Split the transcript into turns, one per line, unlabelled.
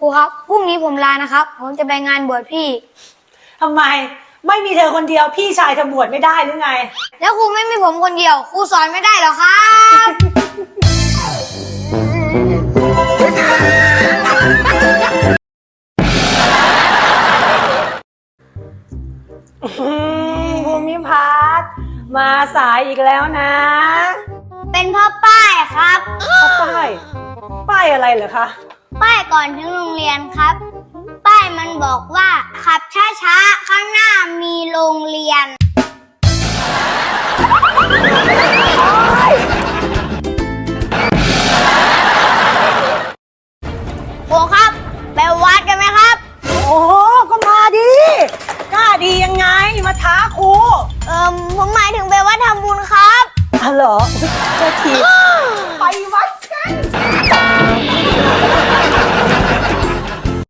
ครูครับพรุ่งนี้ผมลานะครับผมจะไปงานบวชพี่
ทำไมไม่มีเธอคนเดียวพี่ชายจะบวชไม่ได้หรือไง
แล้วครูไม่มีผมคนเดียวครูสอนไม่ได้หรอครับ
ภูมิพัฒน์มาสายอีกแล้วนะ
เป็นเพ่อป้ายครับ
ป้ายอะไรเหรอคะ
ป้ายก่อนถึงโรงเรียนครับป้ายมันบอกว่าขับช้าๆข้างหน้ามีโรงเรียน